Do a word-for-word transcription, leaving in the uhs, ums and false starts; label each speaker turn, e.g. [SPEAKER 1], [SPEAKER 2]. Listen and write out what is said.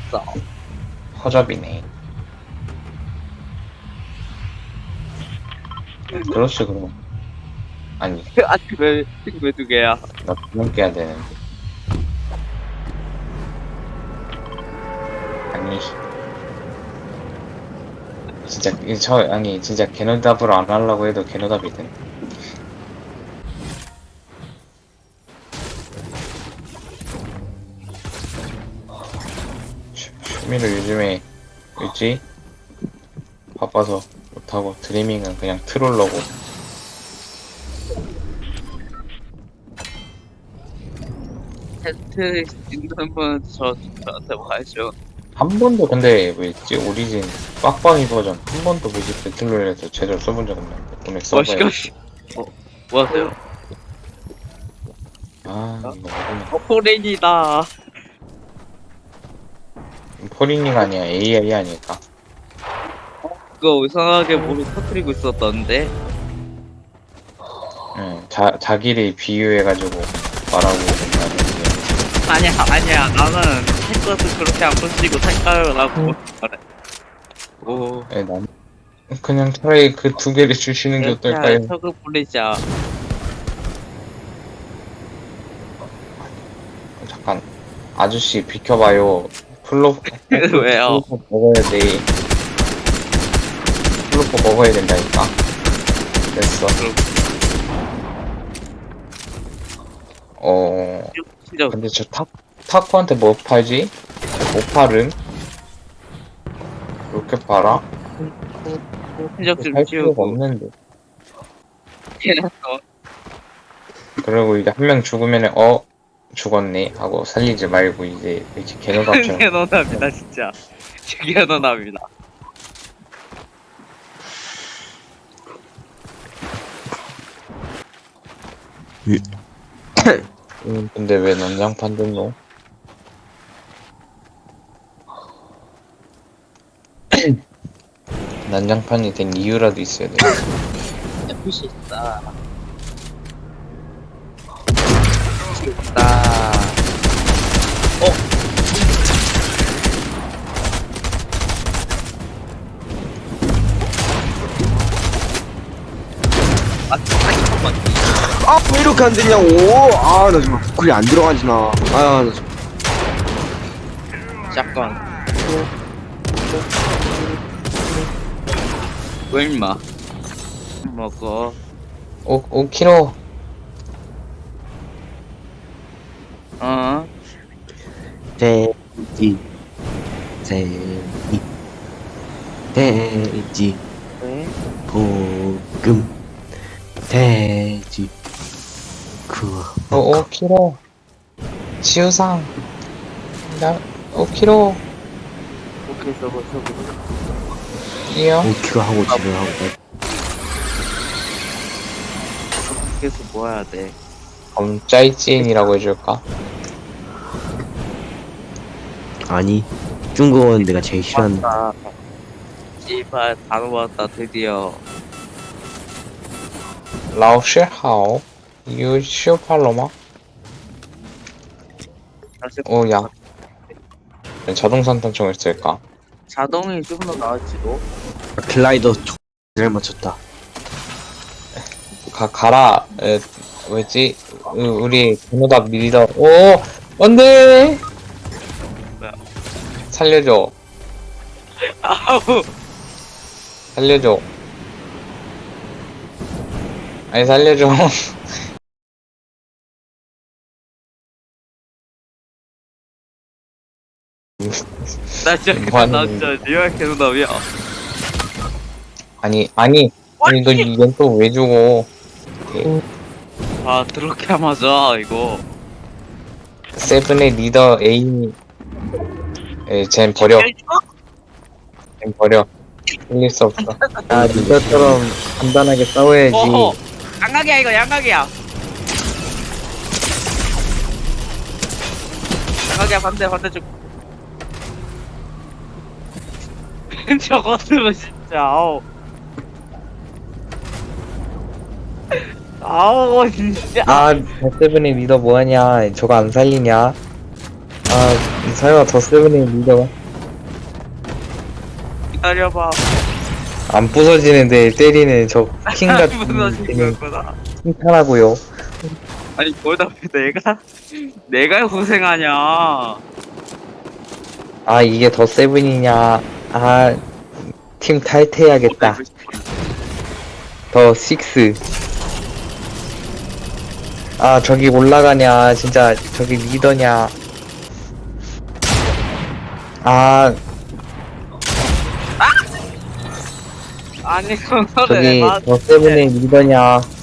[SPEAKER 1] 있어.
[SPEAKER 2] 허접이네. 그렇지, 그럼. 아니,
[SPEAKER 1] 아니 왜왜 두 개야?
[SPEAKER 2] 나 두 명 깨야 되는데. 아니, 진짜, 이 저, 아니, 진짜 개노답으로 안 하려고 해도 개노답이 돼. 취- 취미를 요즘에, 뭐지? 바빠서 못하고, 드리밍은 그냥 트롤러고.
[SPEAKER 1] 테스트 있는 분저 저한테 와야죠.
[SPEAKER 2] 한 번도 근데, 뭐였지? 오리진 빡빡이 버전. 한 번도 뭐지? 배틀로얄에서 제대로 써본 적 없는데. 오늘 써봐야
[SPEAKER 1] 멋있게. 어, 뭐 하세요?
[SPEAKER 2] 아, 이거 어렵네.
[SPEAKER 1] 어, 포렌이다.
[SPEAKER 2] 포리닝 아니야, 에이아이 아닐까?
[SPEAKER 1] 그거 이상하게 모르 터뜨리고 있었던데.
[SPEAKER 2] 응, 자, 자기를 비유해가지고 말하고 된다는
[SPEAKER 1] 아니야, 아니야. 나는 탱커도 그렇게 안 부시고 색깔을 하고 말해. 오,
[SPEAKER 2] 게. 난 그냥 차라리 그 두 개를 주시는 게
[SPEAKER 1] 야,
[SPEAKER 2] 어떨까요?
[SPEAKER 1] 저거 보내자.
[SPEAKER 2] 잠깐, 아저씨 비켜봐요. 플로,
[SPEAKER 1] 왜요?
[SPEAKER 2] 플로퍼 먹어야 돼. 플로퍼 먹어야 된다니까. 됐어. 어,
[SPEAKER 1] 진짜
[SPEAKER 2] 근데 저 타, 타코한테 뭐 팔지? 못 팔은? 이렇게 팔아?
[SPEAKER 1] 흔적 좀
[SPEAKER 2] 팔 필요가
[SPEAKER 1] 지우고
[SPEAKER 2] 없는데.
[SPEAKER 1] 해놨어.
[SPEAKER 2] 그리고 이제 한 명 죽으면은, 어, 죽었네. 하고 살리지 말고 이제 이렇게 개노답처럼.
[SPEAKER 1] 개노답이다 진짜. 개노답이다.
[SPEAKER 2] 음, 근데 왜 난장판 됐노? 난장판이 된 이유라도 있어야 돼.
[SPEAKER 1] 에프씨 있다. 있다. 어? 아, 잠깐만.
[SPEAKER 3] 아, 왜 이렇게 안 되냐고. 아, 나 정말 부클이 안 들어가지나. 아, 나 정말.
[SPEAKER 1] 잠깐. 왜 임마? 먹어.
[SPEAKER 2] 오, 오 킬로.
[SPEAKER 1] 어?
[SPEAKER 3] 돼지, 돼지, 돼지,
[SPEAKER 1] 왜?
[SPEAKER 3] 볶음, 돼지, 구워.
[SPEAKER 2] 오, 오 킬로. 치유상. 나, 오 킬로.
[SPEAKER 1] 오케이, 저거, 저거.
[SPEAKER 2] 이요.
[SPEAKER 3] 오 킬로 하고 집에 하고.
[SPEAKER 1] 계속 뭐 해야 돼?
[SPEAKER 2] 그럼 짜이찐이라고 해줄까?
[SPEAKER 3] 아니, 중국어는 내가 제일 싫어하는.
[SPEAKER 1] 왔다. 씨발, 다 왔다, 드디어.
[SPEAKER 2] 라오시 하오. 유 시오팔로마.
[SPEAKER 1] 사실
[SPEAKER 2] 오, 야. 자동 산탄총을 쓸까?
[SPEAKER 1] 자동이 좀 더 나을지도.
[SPEAKER 3] 글라이더 잘 맞췄다.
[SPEAKER 2] 가, 가라. 에, 뭐였지? 으, 우리 개노답 리더. 오! 안 돼!
[SPEAKER 1] 뭐야?
[SPEAKER 2] 살려줘.
[SPEAKER 1] 아우!
[SPEAKER 2] 살려줘. 아니, 살려줘.
[SPEAKER 1] 나 진짜,
[SPEAKER 2] 뭐 하는
[SPEAKER 1] 나
[SPEAKER 2] 건데?
[SPEAKER 1] 진짜 리얼 개노답이야.
[SPEAKER 2] 아니, 아니. 아니, 너 이건 또 왜 주고.
[SPEAKER 1] 아, 그렇게 맞아, 이거.
[SPEAKER 2] 세븐의 리더 에이미. 에, 쟨 버려. 쟨 버려. 흘릴 수 없어. 야, 리더처럼 간단하게 싸워야지.
[SPEAKER 1] 어허! 양각이야, 이거 양각이야. 양각이야, 반대, 반대쪽. 저것들은 진짜, 아우. 아우, 진짜.
[SPEAKER 2] 아, 더세븐의 리더 뭐하냐. 저거 안 살리냐. 아, 설마 더세븐의 리더가.
[SPEAKER 1] 기다려봐.
[SPEAKER 2] 안 부서지는데 때리는 저 킹
[SPEAKER 1] 안
[SPEAKER 2] 같은
[SPEAKER 1] 무너진
[SPEAKER 2] 킹은
[SPEAKER 1] 거구나.
[SPEAKER 2] 칭찬하고요.
[SPEAKER 1] 아니 거기다 왜 내가 내가 고생하냐.
[SPEAKER 2] 아 이게 더 세븐이냐. 아 팀 탈퇴해야겠다. 더 식스. 아 저기 올라가냐. 진짜 저기 리더냐. 아
[SPEAKER 1] 아니 그거를
[SPEAKER 2] 저기
[SPEAKER 1] 막
[SPEAKER 2] 더 세븐의 리더냐.